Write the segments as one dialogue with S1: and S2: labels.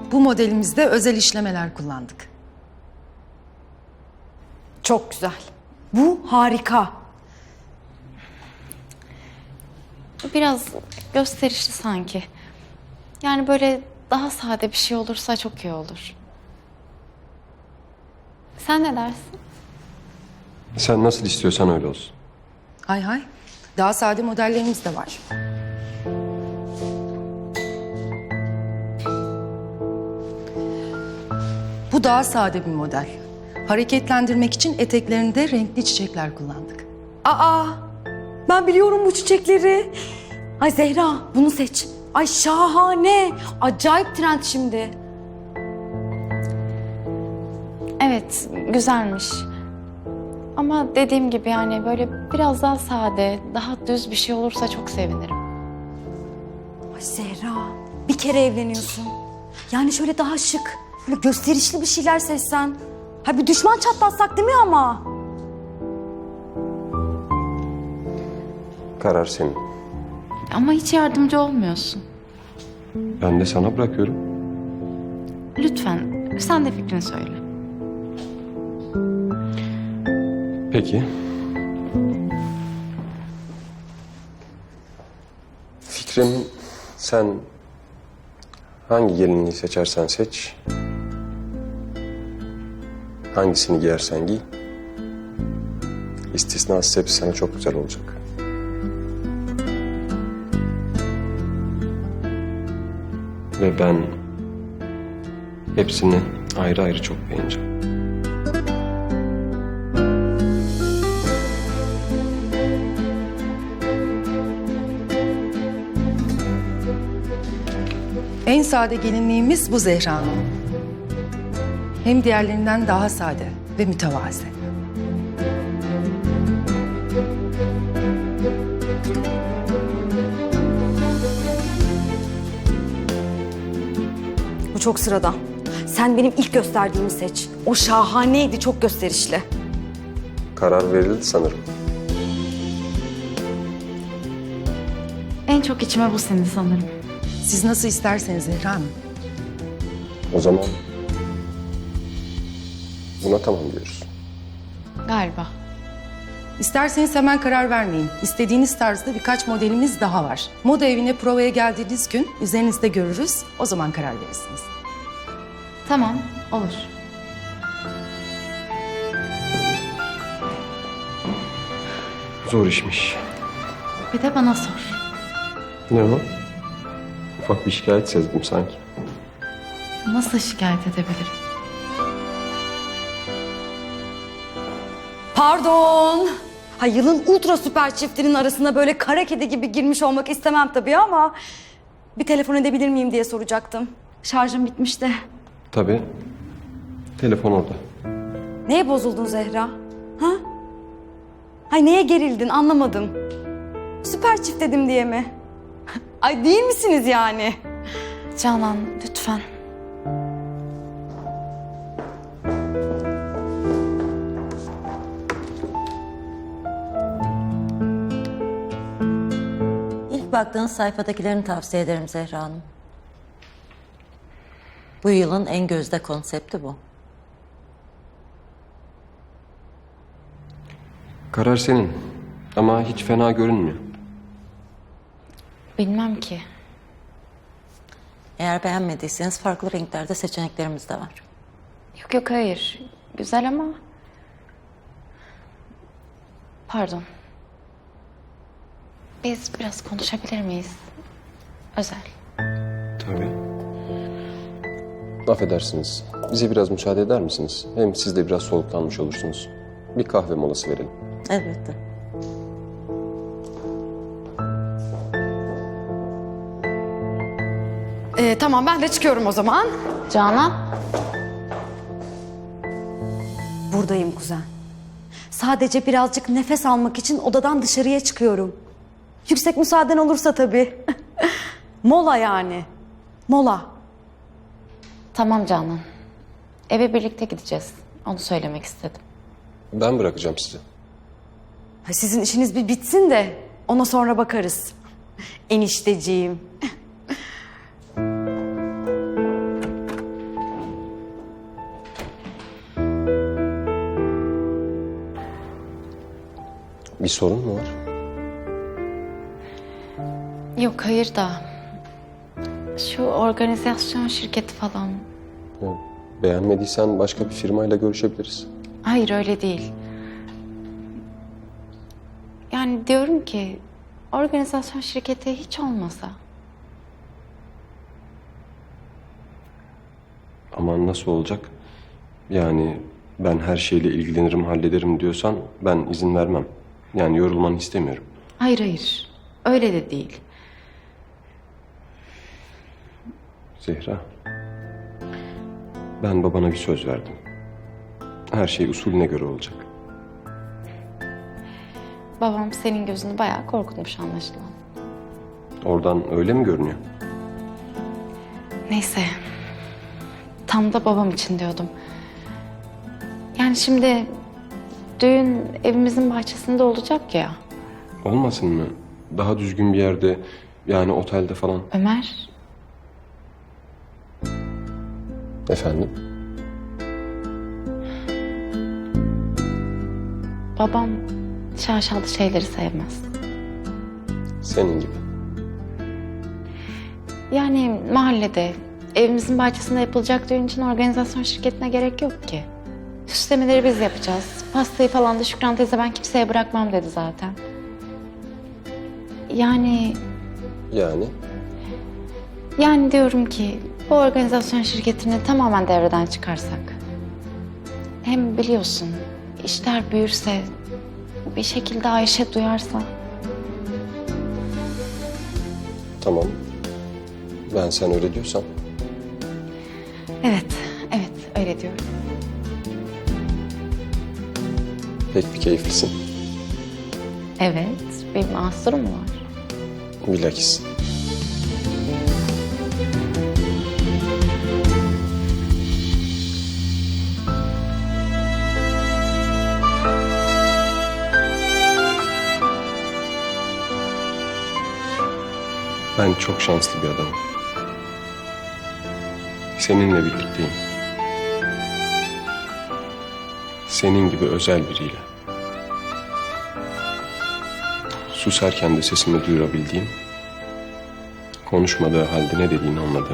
S1: bu modelimizde özel işlemeler kullandık.
S2: Çok güzel. Bu harika.
S3: Biraz gösterişli sanki. Yani böyle daha sade bir şey olursa çok iyi olur. Sen ne dersin?
S4: Sen nasıl istiyorsan öyle olsun.
S1: Hay hay. Daha sade modellerimiz de var. Bu daha sade bir model. Hareketlendirmek için eteklerinde renkli çiçekler kullandık.
S2: Aa, ben biliyorum bu çiçekleri. Ay Zehra, bunu seç. Ay şahane. Acayip trend şimdi.
S3: Evet, güzelmiş. Ama dediğim gibi yani böyle biraz daha sade, daha düz bir şey olursa çok sevinirim.
S2: Ay Zehra, bir kere evleniyorsun. Yani şöyle daha şık, böyle gösterişli bir şeyler seçsen. Ha bir düşman çatlatsak değil mi ama?
S4: Karar senin.
S3: Ama hiç yardımcı olmuyorsun.
S4: Ben de sana bırakıyorum.
S3: Lütfen, sen de fikrini söyle.
S4: Peki. Fikrim, sen hangi gelinliği seçersen seç, hangisini giyersen giy, istisnasız hepsi sana çok güzel olacak. Ve ben hepsini ayrı ayrı çok beğeneceğim.
S1: En sade gelinliğimiz bu Zehra Hanım. Hem diğerlerinden daha sade ve mütevazı.
S2: Bu çok sıradan. Sen benim ilk gösterdiğimi seç. O şahaneydi, çok gösterişli.
S4: Karar verildi sanırım.
S3: En çok içime bu sindi sanırım.
S1: Siz nasıl isterseniz Zehra Hanım.
S4: O zaman buna tamam diyoruz.
S3: Galiba.
S1: İsterseniz hemen karar vermeyin. İstediğiniz tarzda birkaç modelimiz daha var. Moda evine provaya geldiğiniz gün üzerinizde görürüz. O zaman karar verirsiniz.
S3: Tamam, olur.
S4: Zor işmiş.
S3: Bir de bana sor.
S4: Ne o? Ufak bir şikayet sezdim sanki.
S3: Nasıl şikayet edebilirim?
S2: Pardon. Ha, yılın ultra süper çiftinin arasına böyle kara kedi gibi girmiş olmak istemem tabii ama... ...bir telefon edebilir miyim diye soracaktım. Şarjım bitmişti.
S4: Tabii. Telefon orada.
S2: Neye bozuldun Zehra? Ha? Hay neye gerildin anlamadım. Süper çift dedim diye mi? Ay değil misiniz yani?
S3: Canan, lütfen.
S5: İlk baktığınız sayfadakilerini tavsiye ederim Zehra Hanım. Bu yılın en gözde konsepti bu.
S4: Karar senin. Ama hiç fena görünmüyor.
S3: Bilmem ki.
S5: Eğer beğenmediyseniz farklı renklerde seçeneklerimiz de var.
S3: Yok yok hayır. Güzel ama... Pardon. Biz biraz konuşabilir miyiz? Özel.
S4: Tabii. Affedersiniz. Bize biraz müsaade eder misiniz? Hem siz de biraz soluklanmış olursunuz. Bir kahve molası verelim.
S5: Elbette.
S2: Tamam ben de çıkıyorum o zaman.
S3: Canan.
S2: Buradayım kuzen. Sadece birazcık nefes almak için odadan dışarıya çıkıyorum. Yüksek müsaaden olursa tabii. Mola yani. Mola.
S3: Tamam Canan. Eve birlikte gideceğiz. Onu söylemek istedim.
S4: Ben bırakacağım sizi.
S2: Ha, sizin işiniz bir bitsin de ona sonra bakarız. Enişteciğim.
S4: sorun mu var?
S3: Yok hayır da şu organizasyon şirketi falan.
S4: Ya, beğenmediysen başka bir firmayla görüşebiliriz.
S3: Hayır öyle değil. Yani diyorum ki organizasyon şirketi hiç olmasa.
S4: Ama nasıl olacak? Yani ben her şeyle ilgilenirim, hallederim diyorsan ben izin vermem. Yani yorulmanı istemiyorum.
S3: Hayır hayır öyle de değil.
S4: Zehra, ben babana bir söz verdim. Her şey usulüne göre olacak.
S3: Babam senin gözünü bayağı korkutmuş anlaşılan.
S4: Oradan öyle mi görünüyor?
S3: Neyse. Tam da babam için diyordum. Yani şimdi düğün evimizin bahçesinde olacak ya.
S4: Olmasın mı? Daha düzgün bir yerde, yani otelde falan.
S3: Ömer,
S4: Efendim?
S3: babam şaşalı şeyleri sevmez.
S4: Senin gibi.
S3: Yani mahallede, evimizin bahçesinde yapılacak düğün için organizasyon şirketine gerek yok ki. Süslemeleri biz yapacağız. Pastayı falan da Şükran teyze ben kimseye bırakmam dedi zaten. Yani
S4: Yani?
S3: diyorum ki bu organizasyon şirketini tamamen devreden çıkarsak. Hem biliyorsun işler büyürse bir şekilde Ayşe duyarsa.
S4: Tamam. Ben sen öyle diyorsan.
S3: Evet öyle diyorum.
S4: Pek bir keyiflisin.
S3: Evet bir mahsurum var.
S4: Bilakis. Ben çok şanslı bir adamım. Seninle birlikteyim. Senin gibi özel biriyle. Susarken de sesimi duyurabildiğim, konuşmadığı halde ne dediğini anladığım.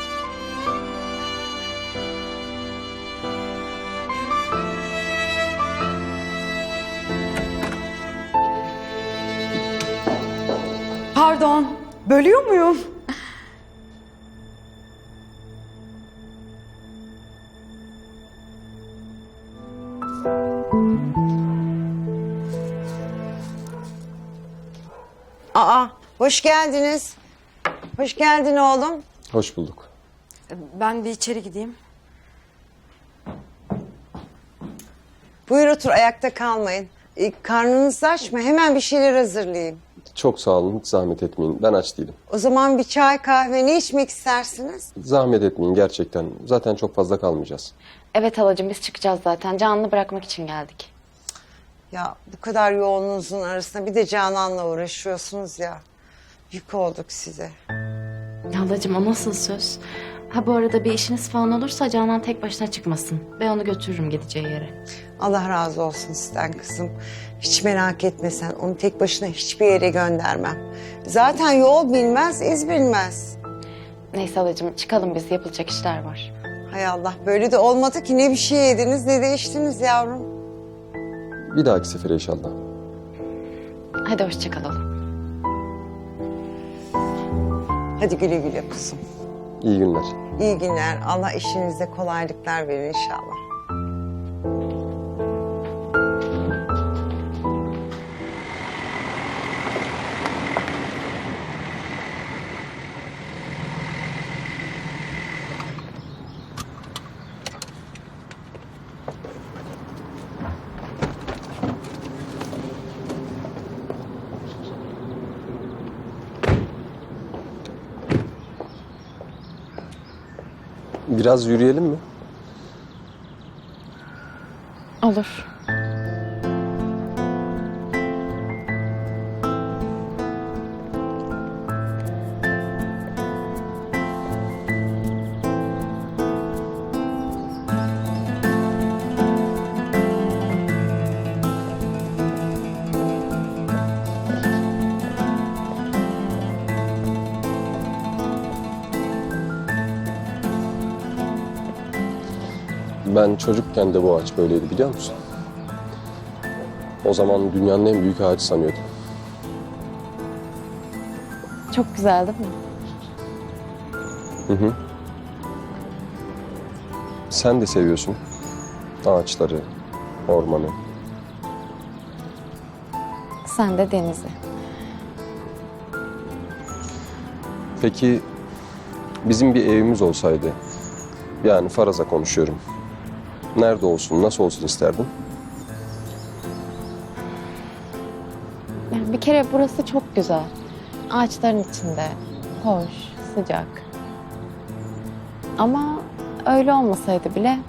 S2: Pardon, bölüyor muyum?
S6: Aa, hoş geldiniz. Hoş geldin oğlum.
S4: Hoş bulduk.
S2: Ben bir içeri gideyim.
S6: Buyur otur, ayakta kalmayın. Karnınız aç mı? Hemen bir şeyler hazırlayayım.
S4: Çok sağ olun, hiç zahmet etmeyin. Ben aç değilim.
S6: O zaman bir çay, kahve ne içmek istersiniz?
S4: Zahmet etmeyin gerçekten. Zaten çok fazla kalmayacağız.
S3: Evet halacığım biz çıkacağız zaten. Canan'ı bırakmak için geldik.
S6: Ya bu kadar yoğunluğunuzun arasında bir de Canan'la uğraşıyorsunuz ya. Yük olduk size.
S7: Halacığım o nasıl söz? Ha bu arada bir işiniz falan olursa Canan tek başına çıkmasın. Ben onu götürürüm gideceği yere.
S6: Allah razı olsun sizden kızım. Hiç merak etme sen. Onu tek başına hiçbir yere göndermem. Zaten yol bilmez, iz bilmez.
S3: Neyse halacığım çıkalım biz yapılacak işler var.
S6: Hay Allah, böyle de olmadı ki, ne bir şey yediniz ne de içtiniz yavrum.
S4: Bir dahaki sefere inşallah.
S3: Hadi hoşça kalalım.
S6: Hadi güle güle kuzum.
S4: İyi günler.
S6: İyi günler. Allah işinizde kolaylıklar verir inşallah.
S4: Biraz yürüyelim mi?
S3: Olur.
S4: Ben çocukken de bu ağaç böyleydi biliyor musun? O zaman dünyanın en büyük ağacı sanıyordum.
S3: Çok güzel değil mi?
S4: Hı hı. Sen de seviyorsun ağaçları, ormanı.
S3: Sen de denizi.
S4: Peki bizim bir evimiz olsaydı, yani faraza konuşuyorum. Nerede olsun, nasıl olsun isterdin?
S3: Yani bir kere burası çok güzel. Ağaçların içinde. Hoş, sıcak. Ama öyle olmasaydı bile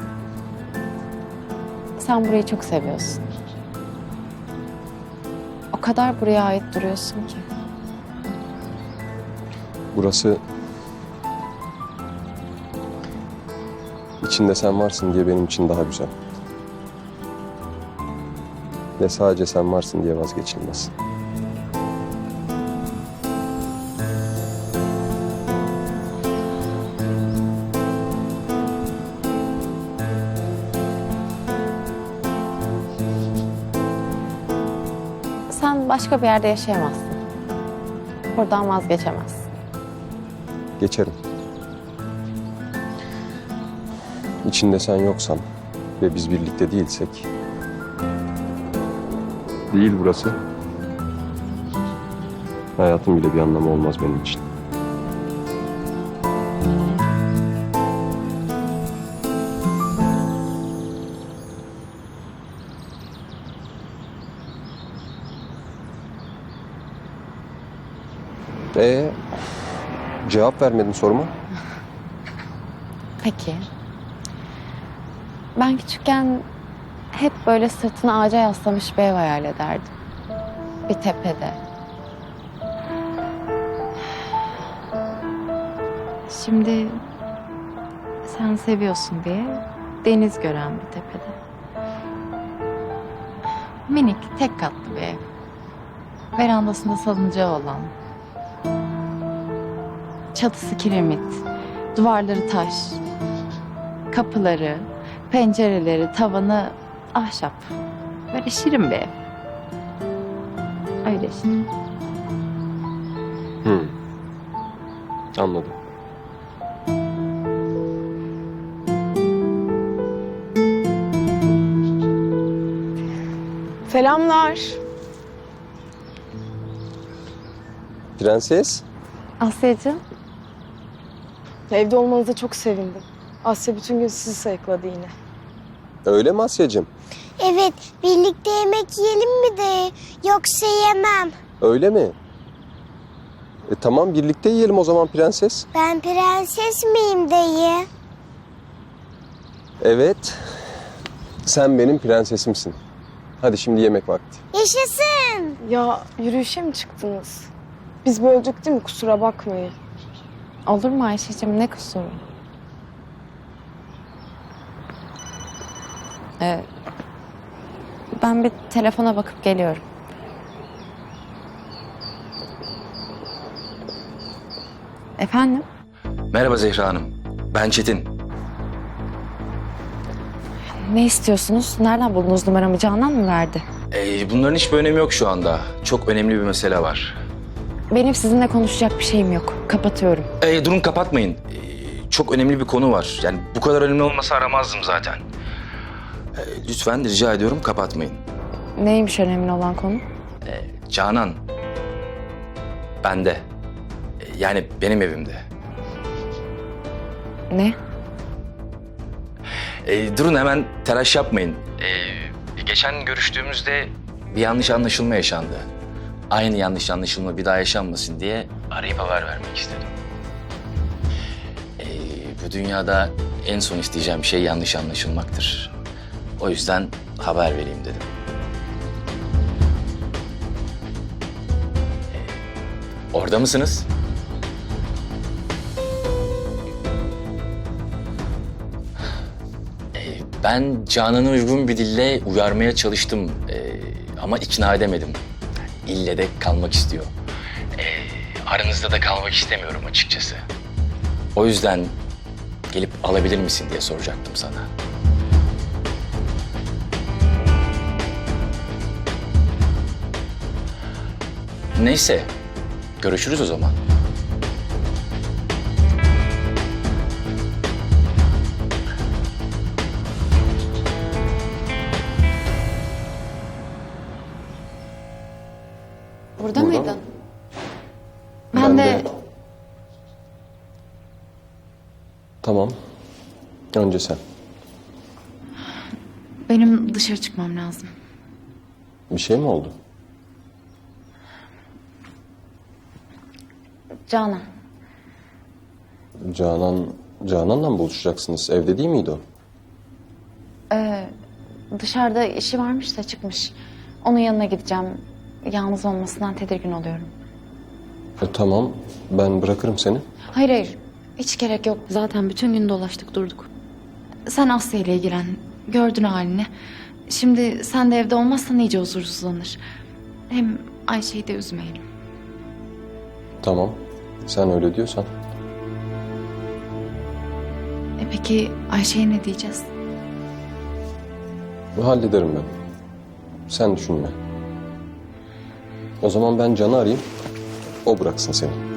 S3: sen burayı çok seviyorsun. O kadar buraya ait duruyorsun ki.
S4: Burası içinde sen varsın diye benim için daha güzel. Ve sadece sen varsın diye vazgeçilmez.
S3: Sen başka bir yerde yaşayamazsın. Buradan vazgeçemezsin.
S4: Geçerim. İçinde sen yoksan ve biz birlikte değilsek... Değil burası. Hayatın bile bir anlamı olmaz benim için. Cevap vermedin soruma.
S3: Peki. Ben küçükken hep böyle sırtını ağaca yaslamış bir ev hayal ederdim. Bir tepede. Şimdi sen seviyorsun diye deniz gören bir tepede. Minik, tek katlı bir ev. Verandasında salıncağı olan. Çatısı kiremit, duvarları taş, kapıları, pencereleri, tavanı ahşap. Böyle şirin bir ev. Öyle şirin.
S4: Anladım.
S8: Selamlar.
S4: Prenses.
S3: Asya'cığım,
S8: Evde olmanıza çok sevindim. Asya bütün gün sizi sayıkladı yine.
S4: Öyle mi Asya'cığım?
S9: Evet, birlikte yemek yiyelim mi de? Yoksa yemem.
S4: Öyle mi? Tamam birlikte yiyelim o zaman prenses.
S9: Ben prenses miyim dayı?
S4: Evet. Sen benim prensesimsin. Hadi şimdi yemek vakti.
S9: Yaşasın.
S8: Ya yürüyüşe mi çıktınız? Biz böldük değil mi? Kusura bakmayın.
S3: olur mu Ayşe'cığım, ne kusuru? Ben bir telefona bakıp geliyorum. Efendim?
S10: Merhaba Zehra Hanım. Ben Çetin.
S3: Ne istiyorsunuz? Nereden buldunuz numaramı? Canan mı verdi?
S10: Bunların hiçbir önemi yok şu anda. Çok önemli bir mesele var.
S3: Benim sizinle konuşacak bir şeyim yok. Kapatıyorum.
S10: Durun kapatmayın. Çok önemli bir konu var. Yani bu kadar önemli olmasa aramazdım zaten. Lütfen rica ediyorum kapatmayın.
S3: Neymiş önemli olan konu?
S10: Canan. Bende. Yani benim evimde.
S3: Ne?
S10: Durun hemen telaş yapmayın. Geçen görüştüğümüzde bir yanlış anlaşılma yaşandı. Aynı yanlış anlaşılma bir daha yaşanmasın diye arayıp haber vermek istedim. Bu dünyada en son isteyeceğim şey yanlış anlaşılmaktır. O yüzden haber vereyim dedim. Orada mısınız? Ben Canan'ı uygun bir dille uyarmaya çalıştım ama ikna edemedim. İlle de kalmak istiyor. Aranızda da kalmak istemiyorum açıkçası. O yüzden gelip alabilir misin diye soracaktım sana. Neyse, görüşürüz o zaman.
S3: Burada
S4: Burada
S3: mıydın?
S4: mı?
S3: Ben de
S4: Tamam. Önce sen.
S3: benim dışarı çıkmam lazım.
S4: Bir şey mi oldu?
S3: Canan.
S4: Canan'la mı buluşacaksınız? Evde değil miydi o?
S3: Dışarıda işi varmış da çıkmış. Onun yanına gideceğim. Yalnız olmasından tedirgin oluyorum.
S4: Tamam. Ben bırakırım seni.
S3: Hayır hayır. Hiç gerek yok. Zaten bütün gün dolaştık durduk. Sen Asya ile ilgilen. Gördün halini. Şimdi sen de evde olmazsan iyice huzursuzlanır. Hem Ayşe'yi de üzmeyelim.
S4: Tamam. Sen öyle diyorsan.
S3: Peki Ayşe'ye ne diyeceğiz?
S4: Hallederim ben. Sen düşünme. O zaman ben Can'ı arayayım. O bıraksın seni.